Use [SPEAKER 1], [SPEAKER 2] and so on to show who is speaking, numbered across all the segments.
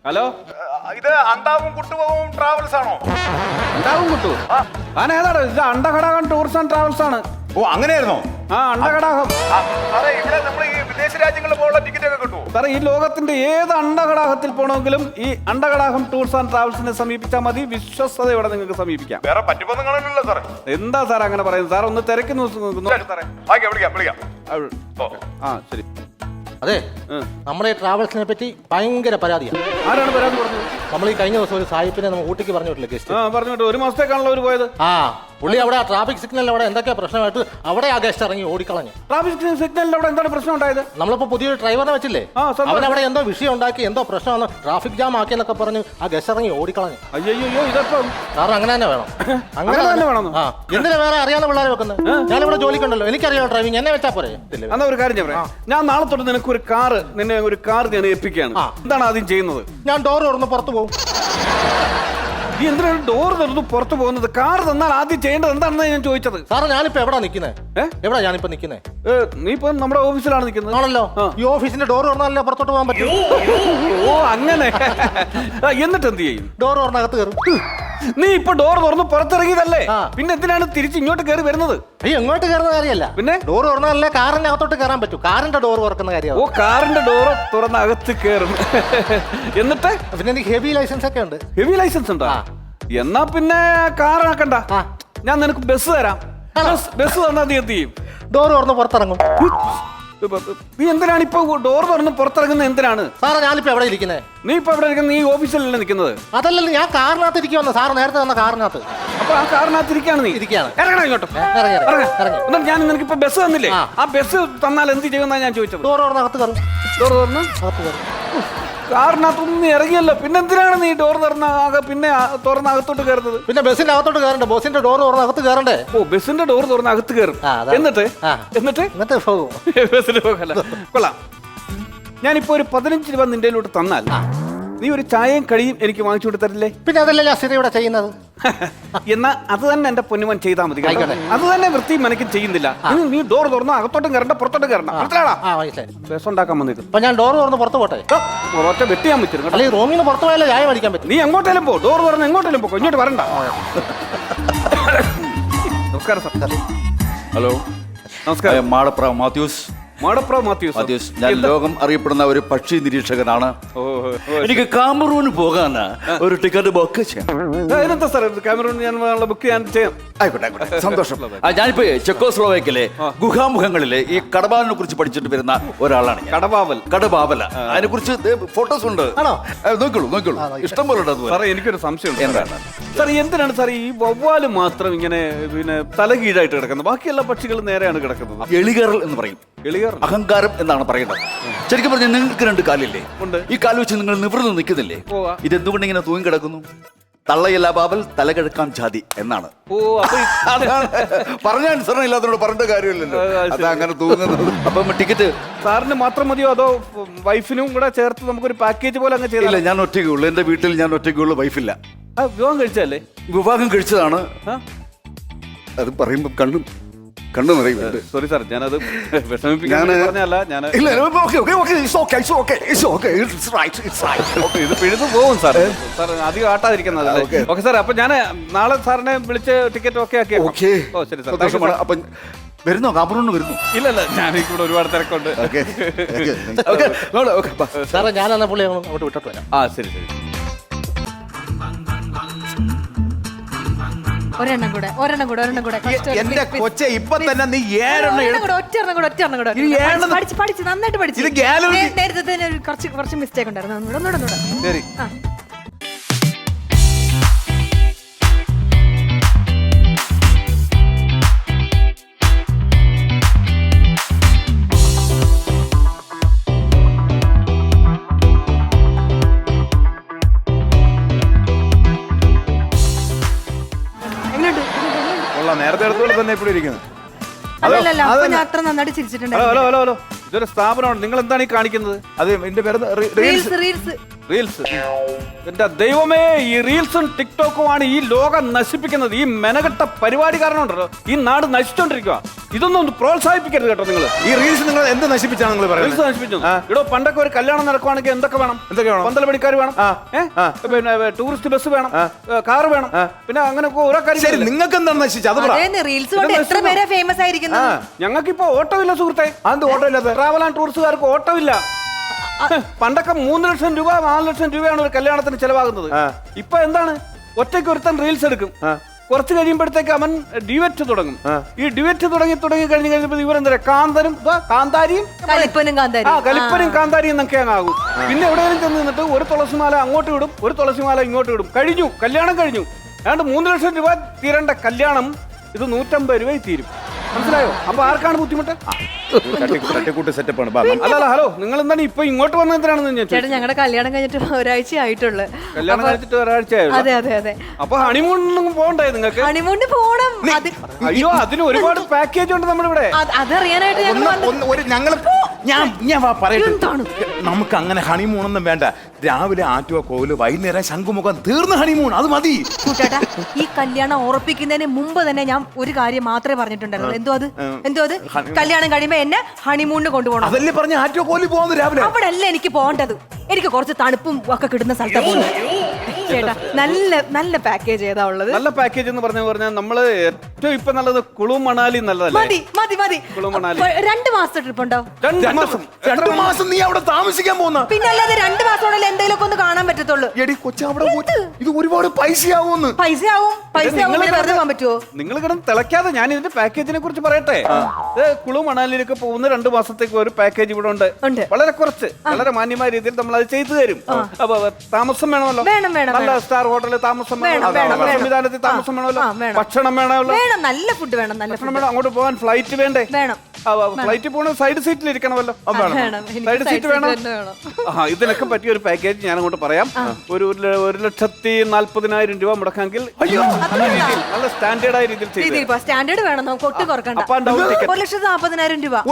[SPEAKER 1] Hello,
[SPEAKER 2] ഇത് അണ്ടാവും കുട്ടുപോകും travels ആണോ?
[SPEAKER 1] അണ്ടാവും കുട്ടു ഏതാടോ? ഇത് അണ്ടകടാകം ടൂർസ് ആൻഡ് ട്രാവൽസ് ആണ്.
[SPEAKER 2] ഓ, അങ്ങനെയായിരുന്നോ?
[SPEAKER 1] ആ, അണ്ടകടാകം.
[SPEAKER 2] സാറേ, ഇവിടെ നമ്മൾ ഈ വിദേശ രാജ്യങ്ങളിൽ പോകാനുള്ള ടിക്കറ്റ് ഒക്കെ കിട്ടുമോ?
[SPEAKER 1] സാറേ, ഈ ലോകത്തിന്റെ ഏത് അണ്ടകടാകത്തിൽ പോകണമെങ്കിലും ഈ അണ്ടകടാകം ടൂർസ് ആൻഡ് ട്രാവൽസിനെ സമീപിച്ചാൽ മതി. വിശ്വസ്തയോടെ നിങ്ങൾക്ക് സമീപിക്കാം.
[SPEAKER 2] വേറെ പറ്റിപ്പൊന്നും കാണുന്നില്ല സാറേ.
[SPEAKER 1] എന്താ സാർ അങ്ങനെ പറയുന്നത്? സാർ ഒന്ന് തിരക്കി നോക്ക് സാറേ.
[SPEAKER 2] വിളിക്കാം.
[SPEAKER 1] ആ, ശരി.
[SPEAKER 3] അതെ, നമ്മുടെ ഈ ട്രാവൽസിനെ പറ്റി ഭയങ്കര പരാതിയാണ്.
[SPEAKER 1] ആരാണ് പരാതി പറഞ്ഞത്?
[SPEAKER 3] നമ്മൾ ഈ കഴിഞ്ഞ ദിവസം ഒരു സായിപ്പിനെ നമ്മൾ ഊട്ടിക്ക് പറഞ്ഞു വിട്ടില്ല ഗസ്റ്റ്.
[SPEAKER 1] പറഞ്ഞിട്ട് 1 മാസത്തേക്കാണല്ലോ അവർ പോയത്.
[SPEAKER 3] പുള്ളി അവിടെ ട്രാഫിക് സിഗ്നൽ അവിടെ എന്തൊക്കെയാ പ്രശ്നമായിട്ട് അവിടെ ആ ഗസ്റ്റ് ഇറങ്ങി ഓടിക്കളഞ്ഞു.
[SPEAKER 1] ട്രാഫിക് സിഗ്നലിൽ അവിടെ എന്താണ് പ്രശ്നം ഉണ്ടായത്?
[SPEAKER 3] നമ്മളിപ്പോ പുതിയൊരു ഡ്രൈവറിനെ വെച്ചില്ലേ, അവൻ അവിടെ എന്തോ വിഷയം ഉണ്ടാക്കി, എന്തോ പ്രശ്നമാണ്, ട്രാഫിക് ജാം ആക്കി എന്നൊക്കെ പറഞ്ഞ് ആ ഗസ്റ്റ് ഇറങ്ങി ഓടിക്കളഞ്ഞു.
[SPEAKER 1] അയ്യോ, ഇതപ്പം
[SPEAKER 3] കാരണം അങ്ങനെ തന്നെ വേണം.
[SPEAKER 1] അങ്ങനെ തന്നെ വേണം.
[SPEAKER 3] എന്തിനാ വേറെ അറിയാവുന്ന പിള്ളേരെ വെക്കുന്നത്? ഞാനിവിടെ ജോലിക്കുണ്ടല്ലോ, എനിക്കറിയാം ഡ്രൈവിംഗ്, എന്നെ വെച്ചാ പോരെ.
[SPEAKER 1] എന്നാ ഒരു കാര്യം പറയാം, ഞാൻ നാളെ തൊട്ട് നിനക്ക് നിന്നെ ഒരു കാർ ഞാൻ ഏൽപ്പിക്കുകയാണ്. എന്താണ് ആദ്യം ചെയ്യുന്നത്?
[SPEAKER 3] ഞാൻ ഡോർ തുറന്ന് പുറത്തു പോകും.
[SPEAKER 1] നീ എന്തിനാണ് ഡോർ തുറന്ന് പുറത്തു പോകുന്നത്? കാർ തന്നാൽ ആദ്യം ചെയ്യേണ്ടത് എന്താണെന്ന് ഞാൻ ചോദിച്ചത്.
[SPEAKER 3] സാറേ, ഞാനിപ്പോ എവിടാ നിൽക്കുന്നത്? എവിടാ ഞാനിപ്പോ നിൽക്കുന്നത്?
[SPEAKER 1] നീ ഇപ്പൊ നമ്മുടെ ഓഫീസിലാണ് നിൽക്കുന്നത്.
[SPEAKER 3] ആണല്ലോ. ഈ ഓഫീസിന്റെ ഡോർ തുറന്നാലല്ലേ പുറത്തോട്ട് പോകാൻ പറ്റും.
[SPEAKER 1] ഓ, അങ്ങനെ. എന്നിട്ട് എന്ത് ചെയ്യും?
[SPEAKER 3] ഡോർ തുറന്നകത്ത് കയറും.
[SPEAKER 1] നീ ഇപ്പൊ ഡോർ തുറന്ന് പുറത്തിറങ്ങിയതല്ലേ, പിന്നെ എന്തിനാണ് തിരിച്ച് ഇങ്ങോട്ട് കയറി വരുന്നത്?
[SPEAKER 3] എങ്ങോട്ട് കയറുന്ന കാര്യമല്ല, പിന്നെ ഡോർ തുറന്നാലല്ലേ കാറിന്റെ അകത്തോട്ട് കയറാൻ പറ്റൂ. കാറിന്റെ ഡോർ തുറക്കുന്ന കാര്യം.
[SPEAKER 1] ഓ, കാറിന്റെ ഡോർ തുറന്ന് അകത്ത് കയറും. എന്നിട്ട്
[SPEAKER 3] പിന്നെ എനിക്ക് ഹെവി ലൈസൻസ് ഒക്കെ ഉണ്ട്.
[SPEAKER 1] ഹെവി ലൈസൻസ് ഉണ്ടോ? എന്നാ പിന്നെ കാർ ആക്കണ്ട, ഞാൻ നിനക്ക് ബസ് തരാം. ബസ് തന്നാ നീ എന്ത് ചെയ്യും?
[SPEAKER 3] ഡോർ തുറന്ന് പുറത്തിറങ്ങും.
[SPEAKER 1] നീ എന്തിനാണ് ഇപ്പൊ ഡോർ തുറന്ന് പുറത്തിറങ്ങുന്നത്? എന്തിനാണ്?
[SPEAKER 3] സാറേ, ഞാനിപ്പോ എവിടെ ഇരിക്കുന്നത്?
[SPEAKER 1] നീ ഇപ്പൊ എവിടെ ഇരിക്കുന്നത്? നീ ഓഫീസിലല്ലേ നിൽക്കുന്നത്?
[SPEAKER 3] അതല്ലല്ലോ, ഞാൻ കാറിനകത്ത് ഇരിക്കുവന്ന. സാറ് നേരത്തെ തന്ന കാറിനകത്ത്.
[SPEAKER 1] അപ്പൊ ആ കാറിനകത്ത് ഇരിക്കുകയാണ് നീ?
[SPEAKER 3] ഇരിക്കുകയാണ്.
[SPEAKER 1] ഇറങ്ങണം ഇങ്ങോട്ട്. എന്നിട്ട് ഞാൻ നിനക്ക് ഇപ്പൊ ബസ് തന്നില്ലേ, ആ ബസ് തന്നാൽ എന്ത് ചെയ്യുമെന്നാ ഞാൻ ചോദിച്ചത്.
[SPEAKER 3] ഡോർ തുറന്നകത്ത് കയറും.
[SPEAKER 1] ഡോർ തുറന്ന് അകത്ത് കയറും. കാറിനകത്തൊന്നും ഇറങ്ങിയല്ലോ, പിന്നെ എന്തിനാണ് നീ ഡോർ പിന്നെ തുറന്ന് അകത്തോട്ട് കയറുന്നത്?
[SPEAKER 3] പിന്നെ ബസ്സിന്റെ അകത്തോട്ട് കയറണ്ടേ? ബസ്സിന്റെ ഡോർ തുറന്ന് അകത്ത് കയറണ്ടേ?
[SPEAKER 1] ഓ, ബസ്സിന്റെ ഡോർ തുറന്ന് അകത്ത് കയറും. എന്നിട്ട്
[SPEAKER 3] പോകും.
[SPEAKER 1] ബസ്സിൽ പോകല്ല. കൊള്ളാം. ഞാനിപ്പോ ഒരു 15 രൂപ നിന്റെ തന്നാൽ നീ ഒരു ചായയും കഴിയും എനിക്ക് വാങ്ങിച്ചു കൊടുത്തരില്ലേ?
[SPEAKER 3] പിന്നെ അതല്ലേ ഞാൻ സ്ഥിരം ഇവിടെ ചെയ്യുന്നത്.
[SPEAKER 1] എന്നാ അത് തന്നെ എന്റെ പൊന്നുമൻ ചെയ്താൽ മതി. അത് തന്നെ വൃത്തിയും മനക്കും ചെയ്യുന്നില്ല. നീ ഡോർ തുറന്നോ അകത്തോട്ടും കയറണ്ട പുറത്തോട്ടും കയറണ്ട. ബസ് ഉണ്ടാക്കാൻ വന്നിട്ട്
[SPEAKER 3] അപ്പൊ ഞാൻ ഡോർ തുറന്ന് പുറത്ത് പോട്ടെ?
[SPEAKER 1] ഒറ്റ വെട്ടിയാൻ പറ്റും.
[SPEAKER 3] അല്ലെങ്കിൽ റൂമിൽ നിന്ന് പുറത്ത് പോയാലേ ചായ മേടിക്കാൻ പറ്റും.
[SPEAKER 1] നീ എങ്ങോട്ടേലും പോ, ഡോർ തുറന്ന് എങ്ങോട്ടേലും പോ, ഇങ്ങോട്ട് വരണ്ട. നമസ്കാരം സാർ.
[SPEAKER 4] ഹലോ,
[SPEAKER 1] നമസ്കാരം.
[SPEAKER 4] മാടപ്രാവ് മാത്യൂസ്. ഞാൻ ലോകം അറിയപ്പെടുന്ന ഒരു പക്ഷി നിരീക്ഷകനാണ്. എനിക്ക് കാമറൂന് പോകാൻ ഒരു ടിക്കറ്റ് ബുക്ക്
[SPEAKER 1] ചെയ്യാം. സാർ കാമറൂൺ ഞാൻ ബുക്ക് ചെയ്യാം.
[SPEAKER 4] ആയിക്കോട്ടെ, സന്തോഷം. ഞാനിപ്പോ ചെക്കോസ്ലോവാക്യയിലെ ഗുഹാമുഖങ്ങളിലെ ഈ കടവാലിനെ കുറിച്ച് പഠിച്ചിട്ട് വരുന്ന ഒരാളാണ്. കടവാവല അതിനെ കുറിച്ച് ഫോട്ടോസ് ഉണ്ട്. നോക്കോളൂ, ഇഷ്ടം പോലെ ഉണ്ട്.
[SPEAKER 1] സാറേ, എനിക്കൊരു സംശയം ഉണ്ട്. സാർ, എന്തിനാണ് സാർ ഈ വവ്വാല് മാത്രം ഇങ്ങനെ പിന്നെ തലകീഴായിട്ട് കിടക്കുന്നത്? ബാക്കിയെല്ലാ പക്ഷികളും നേരെയാണ് കിടക്കുന്നത്.
[SPEAKER 4] എളികേറൽ എന്ന് പറയും. അഹങ്കാരം എന്നാണ് പറയുന്നത്. ശരിക്കും പറഞ്ഞാൽ നിങ്ങൾക്ക് 2 കാലില്ലേ? ഈ കാല് വെച്ച് നിങ്ങൾ നിവർന്ന് നിൽക്കുന്നില്ലേ? ഇതെന്തുകൊണ്ട് ഇങ്ങനെ തൂങ്ങി കിടക്കുന്നു? തള്ളയല്ല ബാബൽ തലകിഴക്കാം ജാതി എന്നാണ്. പറഞ്ഞ അനുസരണം ഇല്ലാത്തതിനോട് പറഞ്ഞ കാര്യമില്ലല്ലോ, അത് അങ്ങനെ തൂങ്ങുന്നത്. അപ്പം ടിക്കറ്റ്
[SPEAKER 1] സാറിന് മാത്രം മതിയോ അതോ വൈഫിനും കൂടെ ചേർത്ത് നമുക്കൊരു പാക്കേജ് പോലെ അങ്ങ് ചെയ്യില്ല?
[SPEAKER 4] ഞാൻ ഒറ്റയ്ക്കുള്ളൂ. എന്റെ വീട്ടിൽ ഞാൻ ഒറ്റയ്ക്കുള്ളൂ, വൈഫില്ല.
[SPEAKER 1] വിവാഹം കഴിച്ചല്ലേ?
[SPEAKER 4] വിവാഹം കഴിച്ചതാണ്. അത് പറയുമ്പോ കണ്ണു നിറയുന്നുണ്ട്.
[SPEAKER 1] സോറി സാർ, ഞാനത് വിഷമിപ്പിക്കാൻ പറഞ്ഞല്ല. ഇത് പിഴുതു പോകും സാർ. സാർ അധികം ആട്ടാതിരിക്കുന്നത്. ഓക്കെ സാർ, അപ്പൊ ഞാൻ നാളെ സാറിനെ വിളിച്ച് ടിക്കറ്റ് ഓക്കെ ആക്കി. ഓ ശരി സാർ.
[SPEAKER 4] അപ്പൊ വരുന്നോ? കാമറൂണ് വരുന്നു?
[SPEAKER 1] ഇല്ലല്ല, ഞാൻ ഇവിടെ ഒരുപാട് തിരക്കുണ്ട്.
[SPEAKER 3] സാറേ, ഞാൻ എന്നാ പുള്ളി അങ്ങോട്ട് വിട്ടിട്ട് വരാം.
[SPEAKER 1] ശരി.
[SPEAKER 5] ഒരെണ്ണം കൂടെ
[SPEAKER 2] എന്റെ കൊച്ചെ, ഇപ്പൊ തന്നെ നീ 7
[SPEAKER 5] പഠിച്ച് നന്നായിട്ട് പഠിച്ചു. നേരത്തെ തന്നെ കുറച്ച് മിസ്റ്റേക്ക് ഉണ്ടായിരുന്നു.
[SPEAKER 2] ശരി. നേരത്തെ അടുത്തോളം തന്നെ ഇപ്പോൾ ഇരിക്കുന്നത്.
[SPEAKER 1] ഹലോ, ഇതൊരു സ്ഥാപനമാണ്. നിങ്ങൾ എന്താണ് ഈ കാണിക്കുന്നത്?
[SPEAKER 2] അത് എന്റെ പേര്
[SPEAKER 1] റീൽസ്. എന്റെ ദൈവമേ, ഈ റീൽസും ടിക്ടോക്കുമാണ് ഈ ലോകം നശിപ്പിക്കുന്നത്. ഈ മെനകെട്ട പരിപാടി കാരണം ഉണ്ടല്ലോ ഈ നാട് നശിച്ചോണ്ടിരിക്കുക. ഇതൊന്നും ഒന്ന് പ്രോത്സാഹിപ്പിക്കരുത് കേട്ടോ നിങ്ങൾ.
[SPEAKER 2] ഈ റീൽസ് നിങ്ങൾ എന്ത് നശിപ്പിച്ചാണ് നിങ്ങൾ
[SPEAKER 1] റീൽസ്
[SPEAKER 2] പറയുന്നത്?
[SPEAKER 1] നശിപ്പിച്ചു. ഇടോ പണ്ടൊക്കെ ഒരു കല്യാണം നടക്കുവാണെങ്കിൽ എന്തൊക്കെ വേണം? പന്തൽ പണിക്കാർ വേണം, പിന്നെ ടൂറിസ്റ്റ് ബസ് വേണം, കാർ വേണം, പിന്നെ അങ്ങനെ ഓരോ
[SPEAKER 2] ശരി,
[SPEAKER 1] കാര്യം.
[SPEAKER 2] നിങ്ങൾക്ക് എന്താണ് നശിച്ചത്? അത് പറ.
[SPEAKER 5] റീൽസ് കൊണ്ട് എത്ര പേരാ ഫേമസ് ആയിരിക്കുന്നത്.
[SPEAKER 1] ഞങ്ങൾക്കിപ്പോ ഓട്ടോ ഇല്ല സുഹൃത്തെ.
[SPEAKER 2] അത് ഓട്ടോ ഇല്ലാതെ
[SPEAKER 1] ട്രാവൽ ആൻഡ് ടൂറിസ്റ്റുകാർക്ക് ഓട്ടോ ഇല്ല. പണ്ടൊക്കെ 3 ലക്ഷം രൂപ 4 ലക്ഷം രൂപയാണ് ഒരു കല്യാണത്തിന് ചെലവാകുന്നത്. ഇപ്പൊ എന്താണ്, ഒറ്റയ്ക്ക് ഒരുത്തൻ റീൽസ് എടുക്കും, കുറച്ച് കഴിയുമ്പോഴത്തേക്ക് അവൻ ഡിവറ്റ് തുടങ്ങും. ഈ ഡിവറ്റ് തുടങ്ങി കഴിഞ്ഞപ്പോൾ ഇവരെന്താ കാന്തനും കാന്താരിയും കലിപ്പനും കാന്താരിയും എന്നൊക്കെ അങ്ങ് ആകും. പിന്നെ എവിടെയെങ്കിലും ചെന്ന് നിന്നിട്ട് ഒരു തുളസിമാല അങ്ങോട്ട് വിടും, ഒരു തുളസിമാല ഇങ്ങോട്ട് വിടും. കഴിഞ്ഞു, കല്യാണം കഴിഞ്ഞു. ഏതാണ്ട് 3 ലക്ഷം രൂപ തീരേണ്ട കല്യാണം ഇത് 150 രൂപയിൽ തീരും. മനസ്സിലായോ? അപ്പൊ ആർക്കാണ് ബുദ്ധിമുട്ട്?
[SPEAKER 2] തട്ടിക്കൂട്ട് സെറ്റപ്പ് ആണ്.
[SPEAKER 1] അല്ല ഹലോ, നിങ്ങൾ എന്താണ് ഇപ്പൊ ഇങ്ങോട്ട് വന്നത്? എന്തിനാണെന്ന് ഞാൻ
[SPEAKER 5] ചേട്ടാ, ഞങ്ങളുടെ കല്യാണം കഴിഞ്ഞിട്ട് ഒരാഴ്ച ആയിട്ടുള്ളൂ.
[SPEAKER 1] കല്യാണം കഴിച്ചിട്ട് ഒരാഴ്ചയായിരുന്നു.
[SPEAKER 5] അതെ അതെ അതെ.
[SPEAKER 1] അപ്പൊ ഹണിമൂണിനൊന്നും പോകണ്ടേ നിങ്ങൾക്ക്?
[SPEAKER 5] ഹണിമൂണിന് പോണം.
[SPEAKER 1] അയ്യോ, അതിന് ഒരുപാട് പാക്കേജ് ഉണ്ട് നമ്മുടെ ഇവിടെ.
[SPEAKER 5] അതറിയാനായിട്ട്
[SPEAKER 2] ഞാൻ പറയട്ടെ, നമുക്ക് അങ്ങനെ ഹണിമൂണൊന്നും വേണ്ട. രാവിലെ ആറ്റുവ കോല്, വൈകുന്നേരം ശംഖുമുഖം, തീർന്ന ഹണിമൂൺ, അത് മതി.
[SPEAKER 5] ചേട്ടാ, ഈ കല്യാണം ഉറപ്പിക്കുന്നതിന് മുമ്പ് തന്നെ ഞാൻ ഒരു കാര്യം മാത്രമേ പറഞ്ഞിട്ടുണ്ടായിരുന്നു. എന്തോ അത് കല്യാണം കഴിയുമ്പോ എന്നെ ഹണിമൂണിന് കൊണ്ടുപോകണം.
[SPEAKER 2] അതല്ലേ പറഞ്ഞ ആറ്റുവ കോല് പോകുന്നു രാവിലെ.
[SPEAKER 5] അവിടെ അല്ല എനിക്ക് പോകേണ്ടത്. എനിക്ക് കുറച്ച് തണുപ്പും ഒക്കെ കിട്ടുന്ന സ്ഥലത്താണ് പോകുന്നത്. ചേട്ടാ, നല്ല പാക്കേജ് ഏതാ ഉള്ളത്?
[SPEAKER 1] നല്ല പാക്കേജ് എന്ന് പറഞ്ഞാൽ നമ്മള് ഏറ്റവും ഇപ്പൊ നല്ലത് കുളു മണാലി നല്ലതല്ലേ?
[SPEAKER 5] മതി.
[SPEAKER 1] കുളു മണാലി
[SPEAKER 5] 2 മാസത്തെ ട്രിപ്പ് ഉണ്ടാവും.
[SPEAKER 2] 2 മാസം നീ അവിടെ താമസിക്കാൻ പോകുന്ന?
[SPEAKER 5] പിന്നെ അല്ലാതെ 2 മാസത്തോടെ എന്തെങ്കിലും ഒന്ന് കാണാൻ പറ്റത്തുള്ളൂ.
[SPEAKER 2] എടി കൊച്ചു, അവിടെ ഇത് ഒരുപാട് പൈസയാവുമെന്ന്.
[SPEAKER 5] പൈസയാവും പിന്നെ വെറുതെ പോകാൻ പറ്റുമോ?
[SPEAKER 1] നിങ്ങൾ കിടന്ന് തിളക്കാതെ ഞാൻ ഇതിന്റെ പാക്കേജിനെ കുറിച്ച് പറയട്ടെ. കുളു മണാലിയിലേക്ക് പോകുന്ന 2 മാസത്തേക്ക് ഒരു പാക്കേജ് ഇവിടെ ഉണ്ട്. വളരെ കുറച്ച്, വളരെ മാന്യമായ രീതിയിൽ നമ്മൾ അത് ചെയ്തു തരും. അപ്പൊ താമസം വേണമല്ലോ, നല്ല സ്റ്റാർ ഹോട്ടലിൽ താമസം വേണം, സംവിധാനത്തിൽ താമസം വേണമല്ലോ, ഭക്ഷണം വേണമല്ലോ,
[SPEAKER 5] നല്ല ഫുഡ് വേണം, നല്ല
[SPEAKER 1] ഭക്ഷണം വേണം. അങ്ങോട്ട് പോകാൻ ഫ്ലൈറ്റ് വേണ്ടേ? ഫ്ലൈറ്റിൽ പോകണ സൈഡ് സീറ്റിൽ ഇരിക്കണമല്ലോ, സൈഡ് സീറ്റ് വേണം. ഇതിനൊക്കെ പറ്റിയ ഒരു പാക്കേജ് ഞാൻ അങ്ങോട്ട് പറയാം. ഒരു 1,40,000 രൂപ മുടക്കാമെങ്കിൽ നല്ല സ്റ്റാൻഡേർഡ് ആയ രീതിയിൽ ചെയ്തു.
[SPEAKER 5] സ്റ്റാൻഡേർഡ് വേണം, നമുക്ക് ഒട്ടും കുറക്കണ്ട. 1,40,000 രൂപ.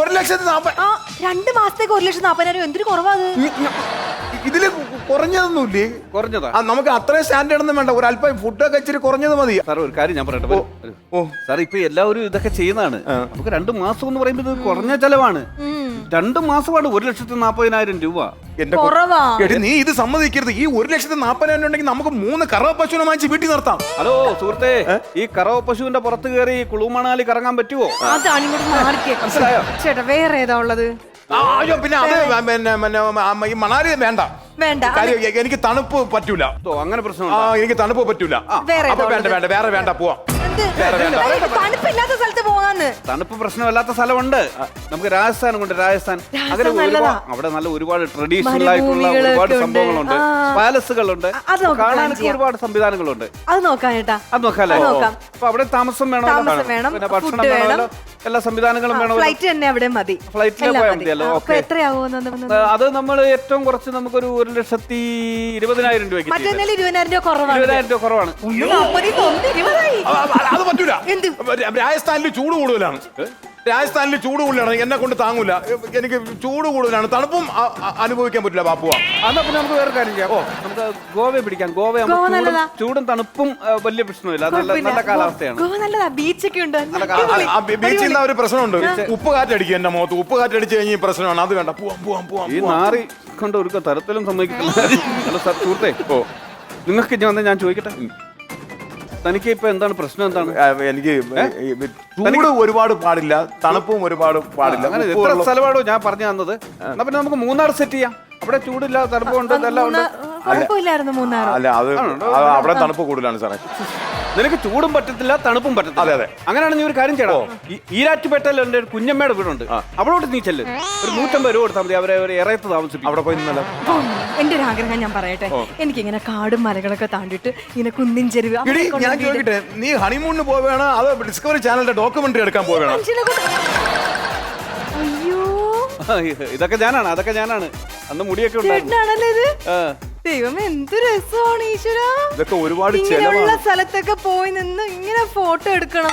[SPEAKER 5] 2 മാസത്തേക്ക് 1,40,000 എന്തൊരു കുറവാ അത്.
[SPEAKER 2] ഇതില് കുറഞ്ഞതൊന്നുമില്ലേ?
[SPEAKER 1] കുറഞ്ഞതാ?
[SPEAKER 2] നമുക്ക് അത്രയും സ്റ്റാൻഡേർഡ് ഒന്നും വേണ്ട, ഒരു അല്പം ഫുഡൊക്കെ ഇച്ചിരി കുറഞ്ഞത് മതി.
[SPEAKER 1] സാർ, ഒരു കാര്യം ഞാൻ പറയട്ടെ. സാർ, ഇപ്പൊ എല്ലാവരും ഇതൊക്കെ ചെയ്യുന്നതാണ്. നമുക്ക് 2 മാസം എന്ന് പറയുമ്പോൾ ഇത് കുറഞ്ഞ ചെലവാണ്. 2 മാസമാണ് 1,40,000 രൂപ.
[SPEAKER 2] നീ ഇത് സമ്മതിക്കരുത്. ഈ 1,40,000 ഉണ്ടെങ്കിൽ നമുക്ക് 3 കറവ പശുവിനെ വാങ്ങിച്ച് വീട്ടിൽ നിർത്താം.
[SPEAKER 1] ഹലോ സുഹൃത്തെ, ഈ കറവ പശുവിന്റെ പുറത്ത് കയറി കുളു മണാലി കറങ്ങാൻ പറ്റുമോ?
[SPEAKER 5] മനസ്സിലായോ ചേട്ടാ? വേറെ ഏതാ ഉള്ളത്?
[SPEAKER 2] പിന്നെ അത് ഈ മണാലി വേണ്ട. എനിക്ക് തണുപ്പ് പറ്റൂല.
[SPEAKER 1] അങ്ങനെ പ്രശ്നം?
[SPEAKER 2] എനിക്ക് തണുപ്പ് പറ്റൂല. വേണ്ട പോവാം.
[SPEAKER 5] തണുപ്പില്ലാത്ത സ്ഥലത്ത് പോകാന്ന്.
[SPEAKER 1] തണുപ്പ് പ്രശ്നമില്ലാത്ത സ്ഥലമുണ്ട്. നമുക്ക് രാജസ്ഥാൻ കൊണ്ട്, രാജസ്ഥാൻ അവിടെ നല്ല ഒരുപാട് ട്രഡീഷണൽ ആയിട്ടുള്ള ഒരുപാട് സംഭവങ്ങളുണ്ട്, പാലസുകളുണ്ട്, കാണാനൊക്കെ ഒരുപാട് സംവിധാനങ്ങളുണ്ട്.
[SPEAKER 5] അത് നോക്കാം ചേട്ടാ,
[SPEAKER 1] അത് നോക്കാല്ലേ? അപ്പൊ അവിടെ താമസം വേണം, പിന്നെ ഭക്ഷണം വേണമല്ലോ, എല്ലാ സംവിധാനങ്ങളും വേണം.
[SPEAKER 5] ഫ്ലൈറ്റ് തന്നെ അവിടെ മതി.
[SPEAKER 1] ഫ്ലൈറ്റിൽ പോയാൽ മതിയല്ലോ. അത് നമ്മൾ ഏറ്റവും കുറച്ച് നമുക്കൊരു 1,20,000 രൂപയ്ക്ക്.
[SPEAKER 5] 20,000 രൂപ കുറവാണ്.
[SPEAKER 1] 20,000 രൂപ കുറവാണ്.
[SPEAKER 2] അത് പറ്റൂല. രാജസ്ഥാനിൽ ചൂട് കൂടുതലാണ്. എന്നെ കൊണ്ട് താങ്ങൂല. എനിക്ക് ചൂട് കൂടുതലാണ്, തണുപ്പും അനുഭവിക്കാൻ പറ്റില്ല. ബാപ്പുവ,
[SPEAKER 1] അതാ പിന്നെ നമുക്ക് വേറെ കാര്യം ചെയ്യാം. നമുക്ക് ഗോവയെ പിടിക്കാം. ഗോവ ചൂടും തണുപ്പും വലിയ പ്രശ്നമില്ല, നല്ല കാലാവസ്ഥയാണ്.
[SPEAKER 5] ബീച്ചൊക്കെ ഉണ്ട്.
[SPEAKER 2] ബീച്ചിൽ ഒരു പ്രശ്നമുണ്ട്, ഉപ്പ് കാറ്റടിക്കും എന്റെ മുഖത്ത്. ഉപ്പ് കാറ്റടിച്ച് കഴിഞ്ഞ ഈ പ്രശ്നമാണ്. അത് വേണ്ട, പോവാം.
[SPEAKER 1] ഈ നാറി കൊണ്ട് ഒരു തരത്തിലും സമ്മതിക്കില്ല. ഹലോ സാർ, സുഹൃത്തെ, നിങ്ങൾക്ക് ഞാൻ ചോദിക്കട്ടെ, തനിക്ക് ഇപ്പൊ എന്താണ് പ്രശ്നം? എന്താണ്?
[SPEAKER 2] എനിക്ക് ചൂട് ഒരുപാട് പാടില്ല, തണുപ്പും ഒരുപാട് പാടില്ല.
[SPEAKER 1] അങ്ങനെ എത്ര സ്ഥലമാണോ ഞാൻ പറഞ്ഞു തന്നത്? എന്നാ പിന്നെ നമുക്ക് മൂന്നാർ സെറ്റ് ചെയ്യാം. അവിടെ ചൂടില്ല, തണുപ്പുണ്ട്, ഇതെല്ലാം ഉണ്ട്.
[SPEAKER 2] അല്ല, അത് അവിടെ തണുപ്പ് കൂടുതലാണ് സാറേ.
[SPEAKER 1] നിനക്ക് ചൂടും പറ്റത്തില്ല, തണുപ്പും പറ്റത്തില്ല.
[SPEAKER 2] അതെ.
[SPEAKER 1] അങ്ങനെയാണ് നീ ഒരു കാര്യം ചെയ്യണം. ഈരാറ്റുപേട്ടയിൽ എൻ്റെ ഒരു കുഞ്ഞമ്മയുടെ വീടുണ്ട്, അവിടോട്ട് നീ ചെല്ല്. ഒരു 150 രൂപ കൊടുത്താൽ മതി, അവരെ ഒരു ഇറയത്ത് താമസിപ്പിക്കും.
[SPEAKER 2] അവിടെ പോയി നിന്നല്ല.
[SPEAKER 5] എന്റെ ഒരു ആഗ്രഹം ഞാൻ പറയട്ടെ, എനിക്കിങ്ങനെ കാടും മലകളൊക്കെ താണ്ടിട്ട് ഇങ്ങനെ കുന്നിൻ ചെരുവ്.
[SPEAKER 2] ഞാൻ ചോദിക്കട്ടെ, നീ ഹണിമൂണിന് പോവുകയാണോ അതോ ഡിസ്കവറി ചാനലിന്റെ ഡോക്യുമെന്ററി എടുക്കാൻ പോവുകയാണോ?
[SPEAKER 5] അയ്യോ,
[SPEAKER 1] ഇതൊക്കെ ഞാനാണ്, അതൊക്കെ ഞാനാണ്. അന്ന് മുടിയൊക്കെ ഉണ്ടായിരുന്നു.
[SPEAKER 5] ദൈവം, എന്ത് രസമാണ് ഈശ്വര.
[SPEAKER 2] ഇതൊക്കെ ഒരുപാട്
[SPEAKER 5] ഇങ്ങനെയുള്ള സ്ഥലത്തൊക്കെ പോയി നിന്ന് ഇങ്ങനെ ഫോട്ടോ എടുക്കണം.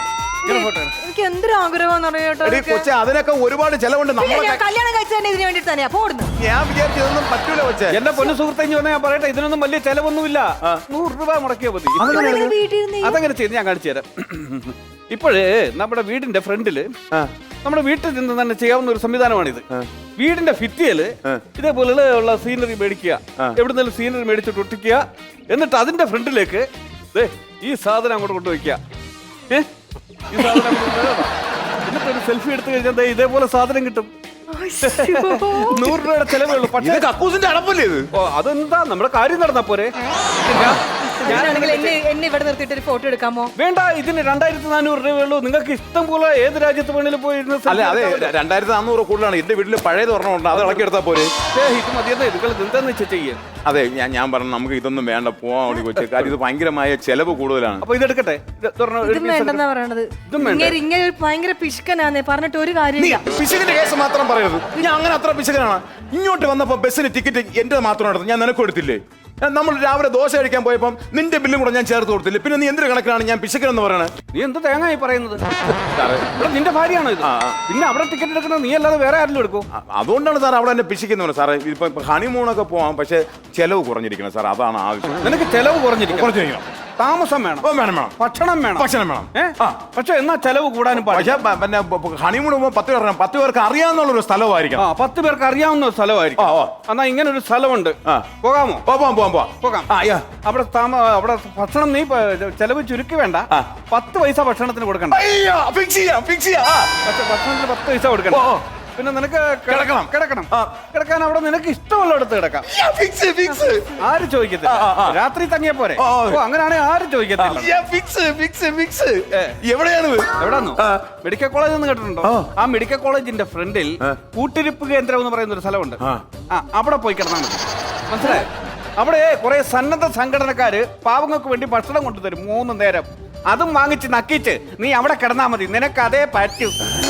[SPEAKER 5] എനിക്ക് എന്തൊരു ആഗ്രഹമാണെന്ന് അറിയാട്ടോ
[SPEAKER 2] എടി കൊച്ചെ അതിനൊക്കെ ഒരുപാട് ചെലവുണ്ട് നമ്മളെ
[SPEAKER 5] ഞാൻ കല്യാണം കഴിച്ചു തന്നെ ഇതിന് വേണ്ടിട്ട് തന്നെയാ പോടുന്നു.
[SPEAKER 2] ഞാൻ വിചാരിച്ചു ഇതൊന്നും പറ്റൂല കൊച്ചെ.
[SPEAKER 1] എന്റെ പൊന്നു സുഹൃത്തെ ഞാൻ പറയട്ടെ, ഇതിനൊന്നും വലിയ ചെലവൊന്നുമില്ല. 100 രൂപ മുടക്കിയാൽ മതി.
[SPEAKER 5] വീട്ടിൽ
[SPEAKER 1] അതങ്ങനെ ചെയ്ത് ഞാൻ കാണിച്ചു തരാം. ഇപ്പോഴേ നമ്മുടെ വീടിന്റെ ഫ്രണ്ടില് നമ്മുടെ വീട്ടിൽ നിന്ന് തന്നെ ചെയ്യാവുന്ന ഒരു സംവിധാനമാണിത്. വീടിന്റെ ഭിത്തിയില് ഇതേപോലെ ഉള്ള സീനറി മേടിക്കുക, എവിടുന്നെങ്കിലും സീനറി മേടിച്ചിട്ട് ഒട്ടിക്കുക, എന്നിട്ട് അതിന്റെ ഫ്രണ്ടിലേക്ക് ഈ സാധനം അങ്ങോട്ട് കൊണ്ടുവയ്ക്കുക. ഈ സാധനം എന്നിട്ട് ഒരു സെൽഫി എടുത്തു കഴിഞ്ഞാൽ ഇതേപോലെ സാധനം കിട്ടും. 100 രൂപയുടെ ചെലവേ ഉള്ളൂ. പക്ഷേ
[SPEAKER 2] കക്കൂസിന്റെ അടപ്പല്ലേ ഇത്?
[SPEAKER 1] ഓ അതെന്താ നമ്മുടെ കാര്യം നടന്നാ പോരെ.
[SPEAKER 5] ഞാനാണെങ്കിൽ എന്നെ ഇവിടെ നിർത്തിയിട്ട് ഒരു ഫോട്ടോ എടുക്കാമോ?
[SPEAKER 1] വേണ്ട, ഇതിന് 2400 രൂപയേ ഉള്ളൂ. നിങ്ങൾക്ക് ഇഷ്ടം പോലെ ഏത് രാജ്യത്ത് വേണേലും പോയി ഇരുന്ന്
[SPEAKER 2] അല്ല അതെ 2400 കൂടുതലാണ്. എന്റെ വീട്ടിൽ പഴയത് ഒരെണ്ണമുണ്ട്, അത് ഇളക്കി എടുത്താൽ പോരെ.
[SPEAKER 1] ഇത് മതിയെന്ന് നിങ്ങൾ എന്താന്ന് വെച്ചാൽ ചെയ്യേ.
[SPEAKER 2] അതെ ഞാൻ പറഞ്ഞു നമുക്ക് ഇതൊന്നും വേണ്ട, പോവാൻ വേണ്ടി കൊച്ചു. കാര്യം ഇത് ഭയങ്കരമായ ചെലവ് കൂടുതലാണ്.
[SPEAKER 1] അപ്പൊ ഇതെടുക്കട്ടെ.
[SPEAKER 5] ഇതും വേണ്ടെന്നാ പറയണത്. ഇങ്ങനെ ഭയങ്കര പിശുക്കനാന്നേ, പറഞ്ഞിട്ട് ഒരു കാര്യമില്ല.
[SPEAKER 2] പിശുകിന്റെ കേസ് മാത്രം പറയരുത്. ഞാൻ അങ്ങനെ അത്ര പിശുക്കനാണ്. ഇങ്ങോട്ട് വന്നപ്പോ ബസ്സിന് ടിക്കറ്റ് എന്റെ മാത്രം എടുത്തു, ഞാൻ നിനക്ക് കൊടുത്തില്ലേ? നമ്മൾ രാവിലെ ദോശ കഴിക്കാൻ പോയപ്പം നിന്റെ ബില്ലും കൂടെ ഞാൻ ചേർത്ത് കൊടുത്തില്ലേ? പിന്നെ നീ എന്തൊരു കണക്കിനാണ് ഞാൻ പിശുക്കനെന്ന് പറയണത്?
[SPEAKER 1] നീ എന്ത് തേങ്ങായി പറയുന്നത്? ഇവിടെ നിന്റെ ഭാര്യയാണോ ഇത്? പിന്നെ അവിടെ ടിക്കറ്റ് എടുക്കുന്നത് നീ അല്ലാതെ വേറെ ആരെങ്കിലും എടുക്കും?
[SPEAKER 2] അതുകൊണ്ടാണ് സാർ അവിടെ എന്നെ പിശിക്കുന്നത് സാറേ. ഇപ്പൊ ഹണിമൂണൊക്കെ പോവാം, പക്ഷെ ചെലവ് കുറഞ്ഞിരിക്കണം സാർ, അതാണ് ആവശ്യം.
[SPEAKER 1] നിനക്ക് ചെലവ് കുറഞ്ഞിരിക്കണം. താമസം വേണം,
[SPEAKER 2] വേണം
[SPEAKER 1] ഭക്ഷണം വേണം. പക്ഷെ എന്നാ ചെലവ് കൂടാനും
[SPEAKER 2] പക്ഷെ പിന്നെ ഹണിമൂൺ പോകുമ്പോൾ 10 പേർ 10 പേർക്ക് അറിയാവുന്ന സ്ഥലമായിരിക്കും.
[SPEAKER 1] 10 പേർക്ക് അറിയാവുന്ന ഒരു സ്ഥലമായിരിക്കും. എന്നാ ഇങ്ങനെ ഒരു സ്ഥലമുണ്ട്, പോകാമോ? പോകാം. അവിടെ ഭക്ഷണം നീ ചെലവ് ചുരുക്കി വേണ്ട, 10 പൈസ ഭക്ഷണത്തിന് കൊടുക്കണ്ട. പക്ഷെ ഭക്ഷണത്തിന് 10 പൈസ കൊടുക്കണ്ട. പിന്നെ നിനക്ക് കിടക്കാൻ അവിടെ നിനക്ക് ഇഷ്ടമുള്ള അടുത്ത് കിടക്കാം. ആരും ചോദിക്കത്തില്ല. രാത്രി തങ്ങിയ പോരെ. അങ്ങനെയാണെങ്കിൽ ആരും ചോദിക്കത്തില്ല. എവിടെയാന്ന് മെഡിക്കൽ കോളേജ് എന്ന് കേട്ടിട്ടുണ്ടോ? ആ മെഡിക്കൽ കോളേജിന്റെ ഫ്രണ്ടിൽ കൂട്ടിരിപ്പ് കേന്ദ്രം എന്ന് പറയുന്ന ഒരു സ്ഥലമുണ്ട്. അവിടെ പോയി കിടന്നാൽ മതി. മനസ്സിലായോ? അവിടെ കുറെ സന്നദ്ധ സംഘടനക്കാര് പാവങ്ങൾക്ക് വേണ്ടി ഭക്ഷണം കൊണ്ടുതരും 3 നേരം. അതും വാങ്ങിച്ച് നക്കിച്ച് നീ അവിടെ കിടന്നാ മതി, നിനക്ക് അതേ പറ്റൂ.